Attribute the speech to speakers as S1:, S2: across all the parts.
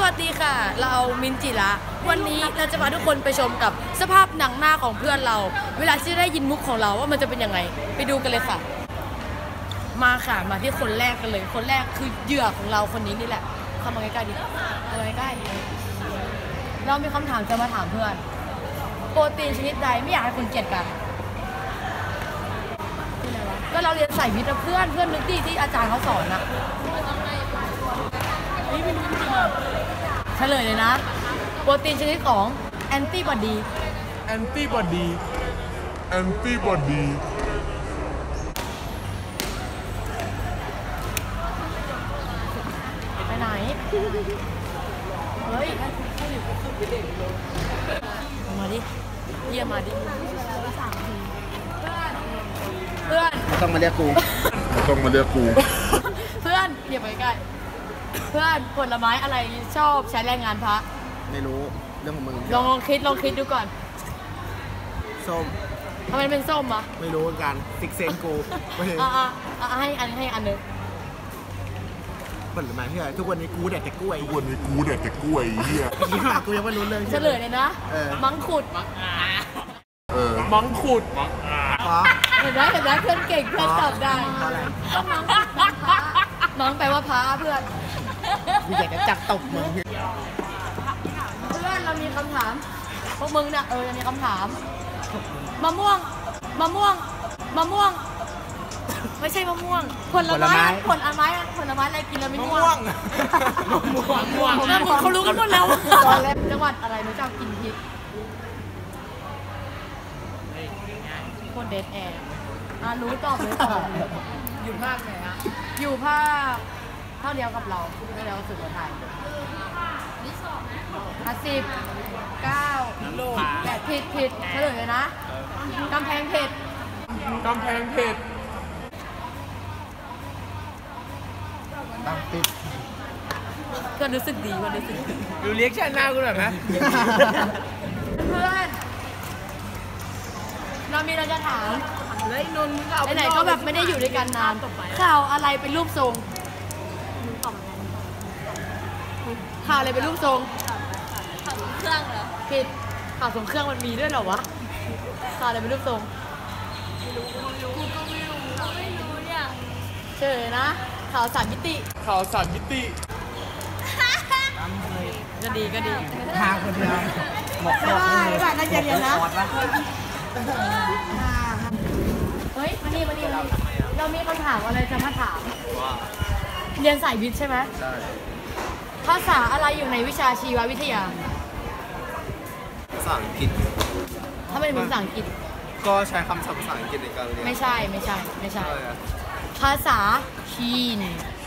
S1: วัสดีค่ะเรามินจิระวันนี้เราจะพาทุกคนไปชมกับสภาพหนังหน้าของเพื่อนเราเวลาที่ได้ยินมุกของเราว่ามันจะเป็นยังไงไปดูกันเลยค่ะมาค่ะมาที่คนแรกกันเลยคนแรกคือเหยื่อของเราคนนี้นี่แหละเข้ามาใกล้ๆดิเข้ามาใกล้ๆเรามีคำถามจะมาถามเพื่อนโปรตีนชนิดใดไม่อยากให้คนเกลียดกันก็เราเรียนสายวิทย์นะเพื่อนนึกดีที่อาจารย์เขาสอนอะนี่เป็นจริงๆเฉลยเลยนะโปรตีนชนิดของแอนติบอดีไปไหนเฮ้ยมาดิเยี่ยมมาดิเพื่อน
S2: ต้องมาเรียกกู
S1: เพื่อนอย่าไปใกล้เพื่อนผลไม้อะไรชอบใช้แรงงานพระ
S2: ไม่รู้เรื่องของมึง
S1: ลองคิดดูก่อน
S2: ส้ม
S1: ทำไมเป็นส้มอ่ะ
S2: ไม่รู้เหมือนกันฟิกเซนกู
S1: ให้อันนึง
S2: ผลไม้ที่ไหนทุกวันนี้กูแดกแต่กล้วยเฮียกูยังไม่รู้เรื่อง
S1: เฉลยเลยนะมังคุดเห็นไหมเพื่อนเก่งเพื่อนตอบได้มังแปลว่าพระเพื่อน
S2: กูอยากจะจับตบมึง
S1: เพื่อนเรามีคำถามพวกมึงเนี่ยจะมีคำถามมะม่วงไม่ใช่มะม่วงผลไม้อะไรกินแล้วไม่ม่วงเขารู้กันหมดแล้วจังหวัดอะไรหนูจะกินพริกคนเดทแอร์รู้ตอบเลยอยู่ภาคไหนฮะอยู่ภาคเท่าเดียวกับเราเท่าเดียวกับสุโขทัย10 9 8ผิดเฉลยเลยนะกำแพงเพชร
S2: ตั้งติด
S1: ก็รู้สึกดี
S2: ดูเรียกชันหน้ากูหน่อยไหม
S1: เพื่อนเราจะถามไหนก็แบบไม่ได้อยู่ด้วยกันนานข่าวอะไรเป็นรูปทรงข่าวอะไรเป็นรูปทรงข่าวส่งเครื่องเหรอผิดข่าวส่งเครื่องมันมีด้วยเหรอวะข่าวอะไรเป็นรูปทรงกูก็ไม่รู้เนี่ยเฉยนะข่าว3 มิติก็ดี
S2: ทางคนเดียว
S1: ไม่ได้น่าจะเรียนนะเฮ้ยมานี่เรามีคำถามอะไรจะมาถามเรียนสายวิทย์ใช่ไหม
S2: ใช่
S1: ภาษาอะไรอยู่ในวิชาชีววิทยา
S2: ภาษาอังกฤษ
S1: ถ้าเป็นภาษาอังกฤษ
S2: ก็ใช้คำศัพท์ภาษาอังกฤษในการเรียน
S1: ไม่ใช่ภาษาจีน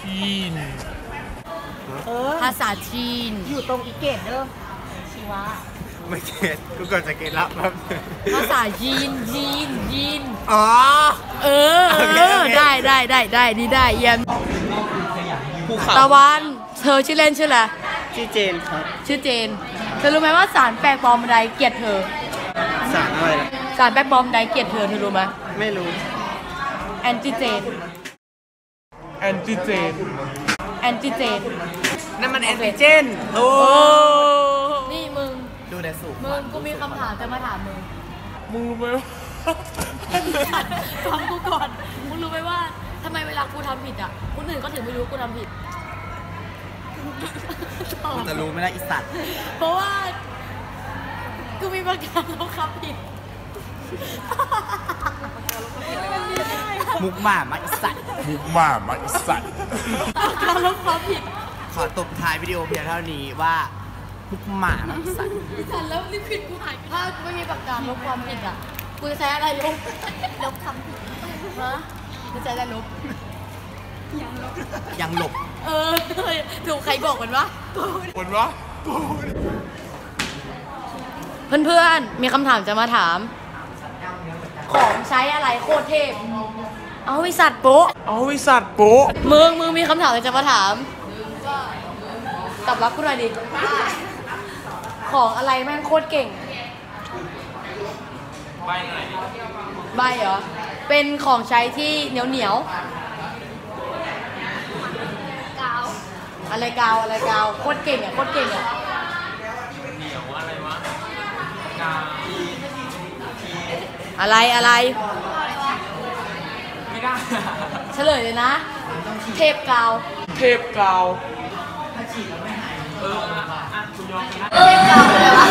S1: ภาษาจีนอยู่ตรงอีเกตเด้อชีวะ
S2: ไม่เก็ตกูก่อนจะเก็ตละครับ
S1: ภาษาจีน
S2: อ๋อ
S1: ได้นี่ได้เยี่ยมตะวันเธอชื่อเล่นชื่ออะไร
S2: ชื่อเจนครับ
S1: ชื่อเจนเธอรู้ไหมว่าสารแปลกปลอมใดเกลียดเธอ
S2: สารอะไรล่ะ
S1: สารแปลกปลอมใดเกลียดเธอรู้ไหม
S2: ไม่รู้
S1: แอนติเจน
S2: นั่นมันแอนติเจนโอ้
S1: นี่มึง
S2: ดูแต่สูง
S1: มึงกูมีคำถามจะมาถามมึงรู้ไหมฟังกูก่อนมึงรู้ไหมว่าทำไมเวลากูทำผิดอ่ะคนอื่นก็ถึงไม่รู้กูทำผิด
S2: จะรู้ไหมล่ะอีสัตว์
S1: เพราะว่ากูมีประกันลบความผิด
S2: มุกหมามาอีสัตว์
S1: การลบความผิด
S2: ขอตบท้ายวิดีโอเพียงเท่านี้ว่ามุกหมามาอีสัตว์
S1: แล้วนี่ผิดกูหายถ้าไม่มีประกันลบความผิดอ่ะกูจะใช้อะไรลบคำผิดฮะจะใช้อะไรลบ
S2: ยังหลบ
S1: ถูกใครบอกกันวะเพื่อนมีคำถามจะมาถามของใช้อะไรโคตรเทพเอาวิสัตโป๊ะมึงมีคำถามอะไรจะมาถามตอบรับกูหน่อยดิของอะไรแม่งโคตรเก่งใบเหรอเป็นของใช้ที่เหนียวอะไรกาวโคตรเก่งอ่ะเหนียวอะไรวะกาวอะไรไม่ได้เฉลยเลยนะเทปกาวเทปกาวเลยวะ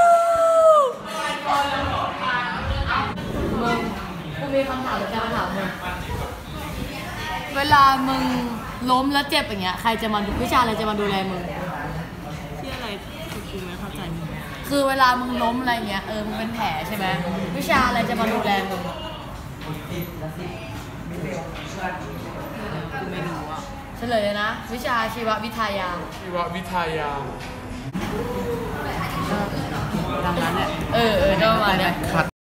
S1: มึงกูมีคำถามจะมาถามมึงเวลามึงล้มแล้วเจ็บอย่างเงี้ยใครจะมาดูวิชาอะไรจะมาดูแลมึงที่อะไรคือไม่เข้าใจคือเวลามึงล้มอะไรเงี้ยมึงเป็นแผลใช่ไหมวิชาอะไรจะมาดูแลมึงกูไม่รู้อ่ะเฉลยเลยนะวิชาชีววิทยาดังนั้นแหละก็ประมาณเนี้ย